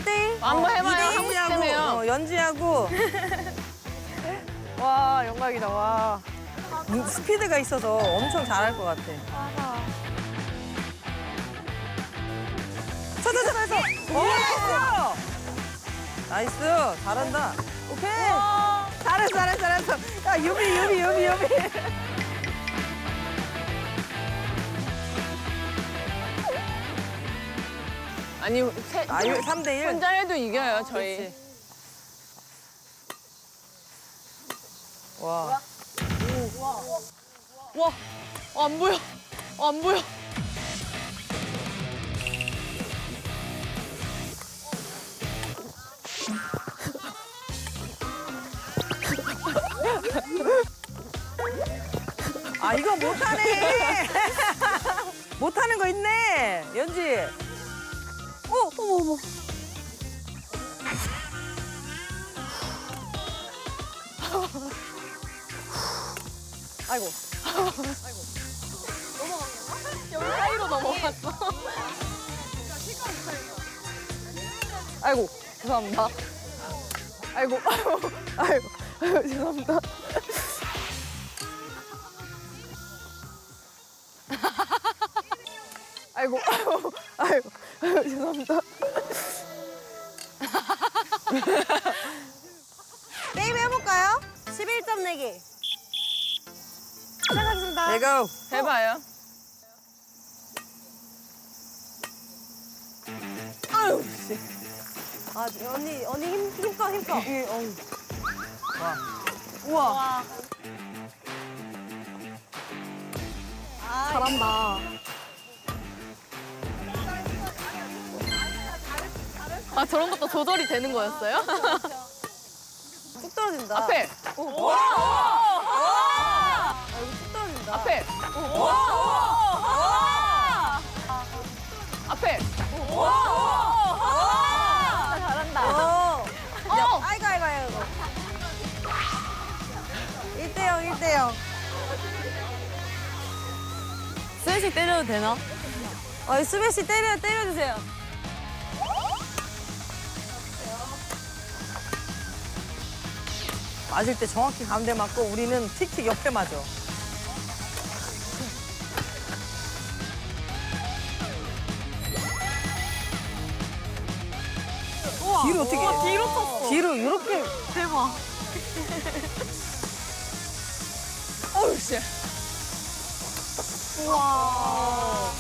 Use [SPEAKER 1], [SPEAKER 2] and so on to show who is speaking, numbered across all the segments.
[SPEAKER 1] 1대1?
[SPEAKER 2] 한번 해봐요. 하고 싶다며요.
[SPEAKER 3] 연지하고
[SPEAKER 1] 와, 영광이다, 와.
[SPEAKER 3] 스피드가 있어서 엄청 잘할 것 같아. 찾아서. 오! 나이스. 잘한다. 오케이. 잘했어. 야, 유비.
[SPEAKER 2] 아니,
[SPEAKER 3] 3대1.
[SPEAKER 2] 혼자 해도 이겨요, 저희.
[SPEAKER 3] 그렇지. 와.
[SPEAKER 2] 와, 안 보여. 안 보여.
[SPEAKER 3] 아, 이거 못하네. 못하는 거 있네. 연지.
[SPEAKER 1] 어머.
[SPEAKER 3] 아이고.
[SPEAKER 2] 여기 사이로 넘어갔어.
[SPEAKER 3] 아이고. 죄송합니다. 아이고. 죄송합니다. 아이고. 죄송합니다.
[SPEAKER 1] 게임 해볼까요? 11점 내기. 시작하겠습니다.
[SPEAKER 3] 내가
[SPEAKER 2] 해봐요. 아유, 씨.
[SPEAKER 1] 아, 언니 힘써.
[SPEAKER 3] 우와.
[SPEAKER 1] 잘한다.
[SPEAKER 2] 아, 저런 것도 조절이 되는 거였어요?
[SPEAKER 1] 뚝 떨어진다.
[SPEAKER 2] 앞에.
[SPEAKER 1] 아, 이거 뚝 떨어진다.
[SPEAKER 2] 앞에. 앞에.
[SPEAKER 1] 잘한다. 아이고. 1대0.
[SPEAKER 2] 스매시 때려도 되나?
[SPEAKER 1] 스매시 때려주세요.
[SPEAKER 3] 맞을 때 정확히 가운데 맞고 우리는 틱틱 옆에 맞아. 뒤로 어떻게?
[SPEAKER 2] 뒤로 쳤어.
[SPEAKER 3] 뒤로 이렇게.
[SPEAKER 2] 대박. 어우, 씨.
[SPEAKER 1] 우와.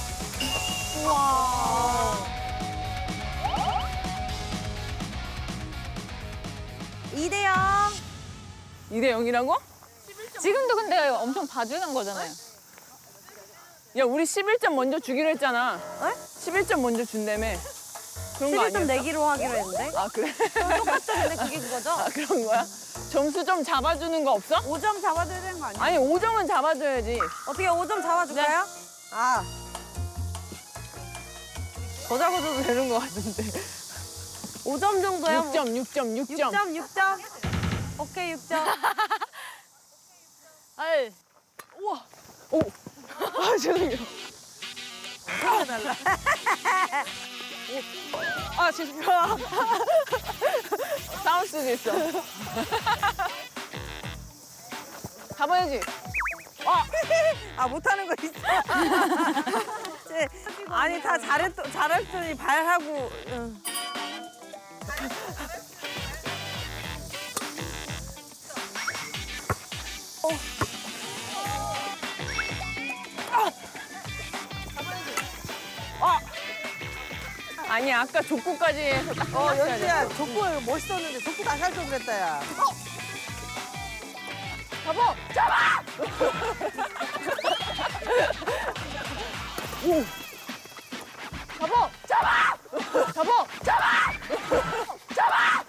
[SPEAKER 1] 2대0.
[SPEAKER 2] 2대 0이라고? 지금도 근데 엄청 봐주는 거잖아요. 야, 우리 11점 먼저 주기로 했잖아. 11점 먼저 준다며. 그런 거
[SPEAKER 1] 11점
[SPEAKER 2] 아니었어?
[SPEAKER 1] 내기로 하기로 했는데.
[SPEAKER 2] 아, 그래?
[SPEAKER 1] 똑같죠, 근데 그게 그거죠?
[SPEAKER 2] 아, 그런 거야? 점수 좀 잡아주는 거 없어?
[SPEAKER 1] 5점 잡아줘야 되는 거 아니야?
[SPEAKER 2] 아니, 5점은 잡아줘야지.
[SPEAKER 1] 어떻게 5점 잡아줄까요?
[SPEAKER 3] 아. 더 잡아줘도 되는 것 같은데.
[SPEAKER 1] 5점 정도야?
[SPEAKER 2] 6점.
[SPEAKER 1] 6점. 오케이, 6점.
[SPEAKER 2] 아이. 우와. 오. 아, 죄송해요. 아, 죄송해요. 싸울 수도 있어. 가봐야지.
[SPEAKER 3] 아, 못하는 거 있어. 아니, 다 잘했더니 발하고. 응.
[SPEAKER 2] 아니, 아까 족구까지 해서 딱 끝났어야 돼.
[SPEAKER 3] 연지야, 족구 멋있었는데 족구 다시 할 걸 그랬다, 야.
[SPEAKER 2] 잡아! 잡아! 오! 잡아! 잡아! 잡아! 잡아! 잡아!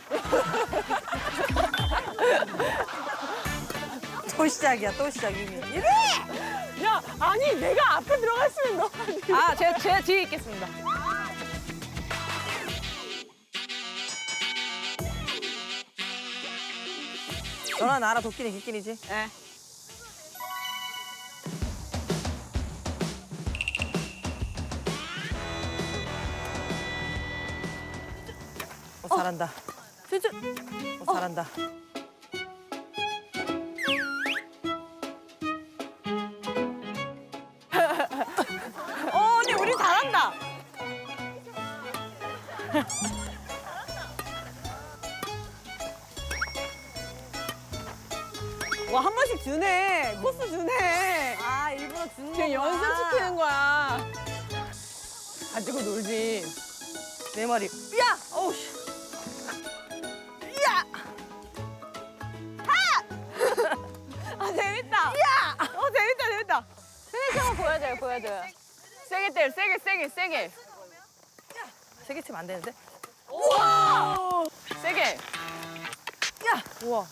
[SPEAKER 3] 또 시작이야, 또 시작, 이미. 이래!
[SPEAKER 2] 야, 아니, 내가 앞에 들어갔으면 너가 뒤에. 아, 제가 뒤에 있겠습니다.
[SPEAKER 3] 너나 나라 도끼니 기끼니지?
[SPEAKER 2] 네.
[SPEAKER 3] 잘한다. 잘한다.
[SPEAKER 1] 언니 우리 잘한다. 와, 한 번씩 주네. 코스 주네. 아, 일부러 주는
[SPEAKER 2] 지금
[SPEAKER 1] 거구나.
[SPEAKER 2] 연습시키는 거야. 가지고 놀지.
[SPEAKER 3] 네 마리.
[SPEAKER 1] 야! 어우, 씨. 야! 아, 재밌다. 야! 재밌다, 재밌다.
[SPEAKER 2] 세게 보여줘요, 보여줘요. 세게 때려, 세게.
[SPEAKER 3] 세게 치면 안 되는데?
[SPEAKER 2] 세게.
[SPEAKER 3] 야! 우와.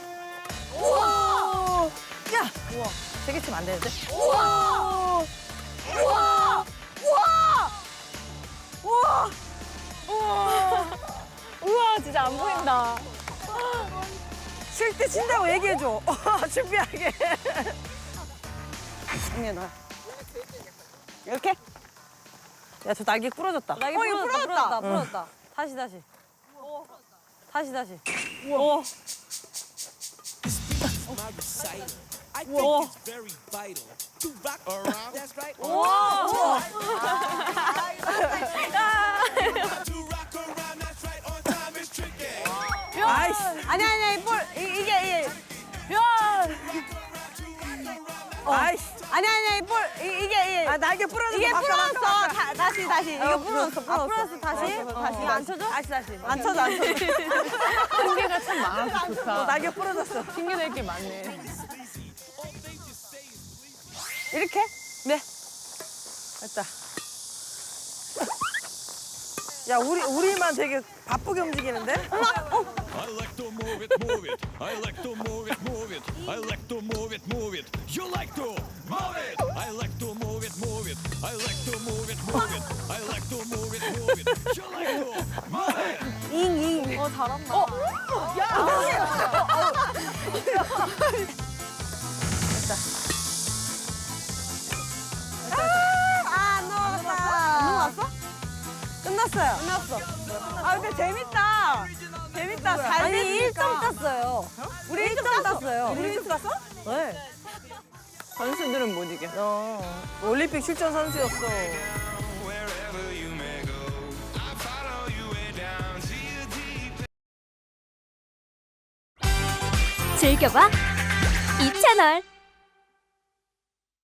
[SPEAKER 1] 우와!
[SPEAKER 3] 야! 우와. 세게 치면 안 되는데?
[SPEAKER 1] 우와! 우와! 우와! 우와!
[SPEAKER 2] 우와, 진짜 안 보인다.
[SPEAKER 3] 칠 때 친다고 얘기해줘. 준비하게.
[SPEAKER 1] 언니, 나. 이렇게?
[SPEAKER 3] 야, 저 날개 부러졌다.
[SPEAKER 1] 나 이거 부러졌다. 다시. 다시.
[SPEAKER 3] 우와.
[SPEAKER 4] I think it's very vital to rock around. That's right.
[SPEAKER 1] 우와!
[SPEAKER 4] To rock around. That's right. On time is tricky.
[SPEAKER 3] 아이씨.
[SPEAKER 1] 아니야, 이게.
[SPEAKER 3] 아이씨.
[SPEAKER 1] 아니야, 이게.
[SPEAKER 3] 아, 날개 부러졌어.
[SPEAKER 1] 이게
[SPEAKER 3] 바꿔,
[SPEAKER 1] 부러졌어.
[SPEAKER 3] 바꿔, 바꿔.
[SPEAKER 1] 다시. 이거 부러졌어.
[SPEAKER 3] 부러졌어.
[SPEAKER 1] 다시?
[SPEAKER 3] 다시.
[SPEAKER 1] 이거 안 쳐줘?
[SPEAKER 3] 다시.
[SPEAKER 1] 안 쳐줘.
[SPEAKER 2] 핑계가 참 많아서 좋다.
[SPEAKER 3] 날개 부러졌어.
[SPEAKER 2] 핑계 댈 게 많네.
[SPEAKER 1] 이렇게?
[SPEAKER 3] 네. 됐다. 야, 우리만 되게 바쁘게 움직이는데?
[SPEAKER 4] I like to move it, move it. I like to move it, move it. I like to move it, move it. You like to move it. I like to move it, move it. I like to move it, move it. I like to move it, move it. You like to move it.
[SPEAKER 1] 잉. 잘한다. 안 넘어갔다. 안 넘어갔어? 끝났어요. 끝났어. 아, 근데 재밌다. 잘
[SPEAKER 3] 아니,
[SPEAKER 1] 됐으니까. 1점 땄어요. 우리 1점 땄어요.
[SPEAKER 3] 우리 1점 땄어? 네.
[SPEAKER 2] 선수들은 못 이겨.
[SPEAKER 3] 올림픽 출전 선수였어.
[SPEAKER 4] Wherever you may go, I follow you way down to your deep.
[SPEAKER 5] 즐겨봐 이 채널.